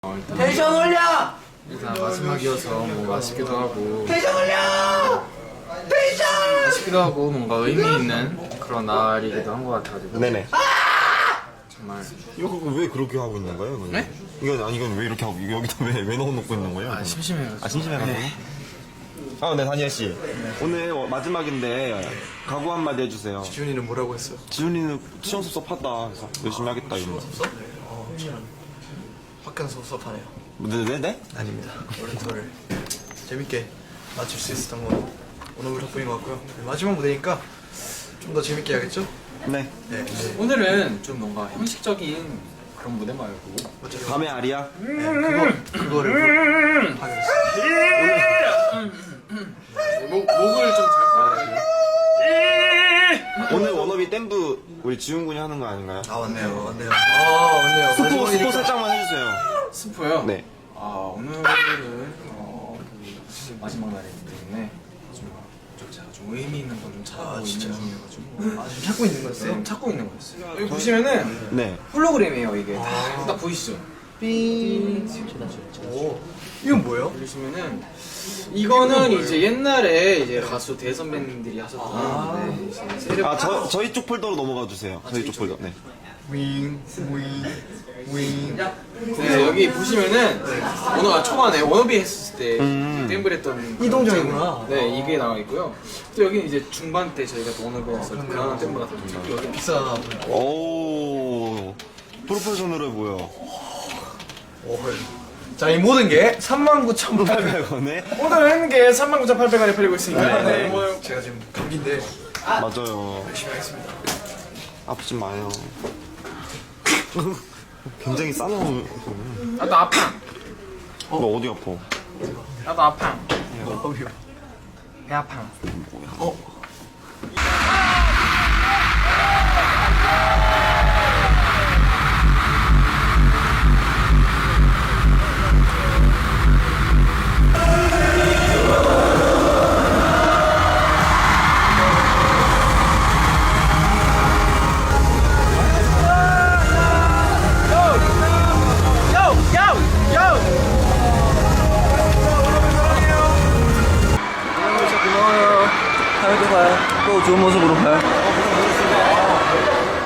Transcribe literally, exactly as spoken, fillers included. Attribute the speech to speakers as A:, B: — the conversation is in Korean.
A: 어, 일단
B: 텐션 올려!
A: 일단 마지막이어서 뭐 맛있기도 하고
B: 텐션 올려! 텐션!
A: 맛있기도 하고 뭔가 의미 있는 그런 날이기도 한 것 같아가지고
C: 네네.
A: 정말
C: 이거 왜 그렇게 하고 있는 거예요? 이거는?
A: 네?
C: 이건 아니 이건 왜 이렇게 하고 이거 여기다 왜 왜 넣어놓고 있는 거예요?
A: 아, 심심해가지고.
C: 아 심심해가지고.
A: 네.
C: 아, 네 다니엘 씨. 오늘 어, 마지막인데 각오 한마디 해주세요.
B: 지훈이는 뭐라고 했어?
C: 지훈이는 시험 섭섭하다. 그래서 열심히 하겠다 이런.
B: 어, 확연 섭섭하네요.
C: 네네네?
B: 아닙니다. 오늘 재밌게 맞출 수 있었던 건 오늘 덕분인 것 같고요. 마지막 무대니까 좀 더 재밌게 해야겠죠?
C: 네.
B: 네. 네.
A: 오늘은 좀 뭔가 형식적인 그런 무대 말고
B: 어차피
C: 밤의 아리야.
B: 네, 그거 그거를 하겠습니다.
A: 목, 목을 좀 잘 풀어가지고
C: 오늘 원업이 댐브 우리 지훈 군이 하는 거 아닌가요?
B: 아 맞네요, 맞네요. 아 맞네요.
C: 스포
B: 마지막이니까.
C: 스포 살짝만 해주세요.
A: 스포요?
C: 네.
A: 아 오늘은 어, 그 마지막 날이기 때문에 좀, 좀 제가 좀 의미 있는 걸 좀 찾고
B: 아,
A: 있는
B: 진짜요?
A: 중이어가지고
B: 아 지금 찾고 있는 거였어요?
A: 좀 찾고 있는 거였어요. 여기 보시면은
C: 네.
A: 홀로그램이에요 이게. 다, 딱 보이시죠? 삥.
B: 오, 이건 뭐예요?
A: 보시면은 이거는 이제 옛날에 이제 가수 대선배님들이 하셨던
B: 아.
A: 네, 이제 세력.
C: 아 저 저희 쪽 폴더로 넘어가 주세요. 저희 쪽 폴더. 네.
B: 윙, 윙, 윙.
A: 네, 여기 보시면은 오늘 초반에 워너비 했을 때
C: 음.
A: 댐블 했던
B: 이동정이구나.
A: 네 이게 나와 있고요. 또 여기는 이제 중반 때 저희가 또 워너비 했을 때 그런 댐블 같은 거 여기
B: 비싸.
C: 오 프로페셔널해 보여.
B: 오, 자, 이 모든 게 삼만 구천팔백 원.
C: 팔백 원에
A: 오늘 하는 게 삼만 구천팔백 원에 팔리고 있으니까
C: 네.
A: 뭐
B: 제가 지금 감기인데
C: 맞아요.
B: 열심히 하겠습니다.
C: 아프지 마요. 굉장히 싸놓은.
A: 나도 아파.
C: 너 어디 아파?
A: 나도 아파.
B: 어휴.
A: 배 아파.
B: 어? 고마워요. 다음에 또 봐요. 또 좋은 모습으로 봐요.